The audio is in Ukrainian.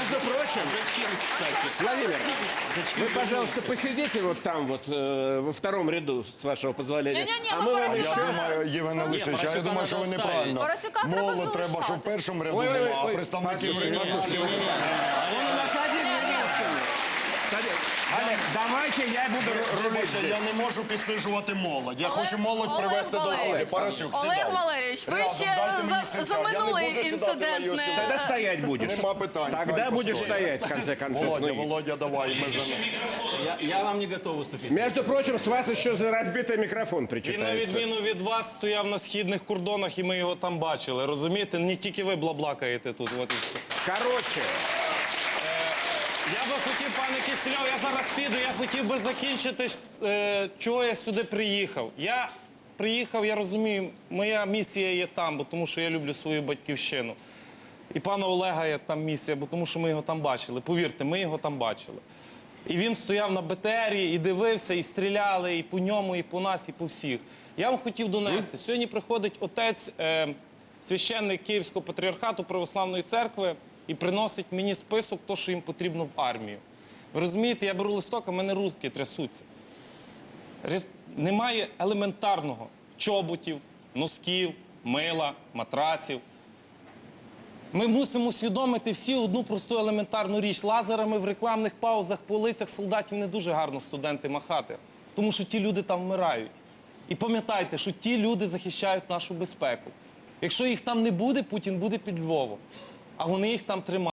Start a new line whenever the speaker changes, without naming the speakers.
Между прочим,
Зачем, кстати?
Владимир,
Зачем
вы, пожалуйста,
вернулся?
посидите вот там вот, во втором ряду, с вашего позволения.
Не-не-не,
А
мы
мы вам
Парасюка-
еще...
Я думаю, Євген Олексійович, я
Парасюка
думаю, що ви
надо
неправильно.
Парасюка треба
Молодь треба, щоб в
залишати.
першому ряду
Ой, ой,
була, а
ой,
представників
послушайте,
регіону.
послушайте, он у нас один единственный. Олег, давайте я буду рулить здесь.
Я не можу підсиджувати молодь. Я хочу молодь
Олег
привести до
Валерійович.
лади. Парасюк, сідай.
Олег Валерійович, ви
Рядом,
ще
дайте мені
за
сідати. Я не
минулий
буду сідати
інцидент
на його
не...
сідати.
Тогда стоять будешь.
Нема питань.
Тогда
хай
будешь
постоїть.
стоять, в конце концов.
Володя,
Ну,
Володя, давай. Ми ж...
Я вам не готов выступить.
между прочим, с вас еще за разбитый микрофон
Він, на
причитается.
відміну від вас, стояв на східних кордонах, і ми його там бачили. Розумієте? Не тільки ви блаблакаєте тут. От і все.
Короче,
Я би хотів, пане Кисельов, я зараз піду, я хотів би закінчити, чого я сюди приїхав. Я приїхав, я розумію, моя місія є там, бо тому що я люблю свою батьківщину. І пана Олега є там місія, бо тому що ми його там бачили. Повірте, ми його там бачили. І він стояв на БТРі і дивився, і стріляли, і по ньому, і по нас, і по всіх. Я вам хотів донести. Сьогодні приходить отець, священник Київського патріархату Православної церкви, і приносить мені список того, що їм потрібно в армію. Ви розумієте, я беру листок, а в мене руки трясуться. Немає елементарного чоботів, носків, мила, матраців. Ми мусимо усвідомити всі одну просту елементарну річ. Лазерами в рекламних паузах, по лицях солдатів не дуже гарно студенти махати, тому що ті люди там вмирають. І пам'ятайте, що ті люди захищають нашу безпеку. Якщо їх там не буде, Путін буде під Львовом, а вони їх там тримають.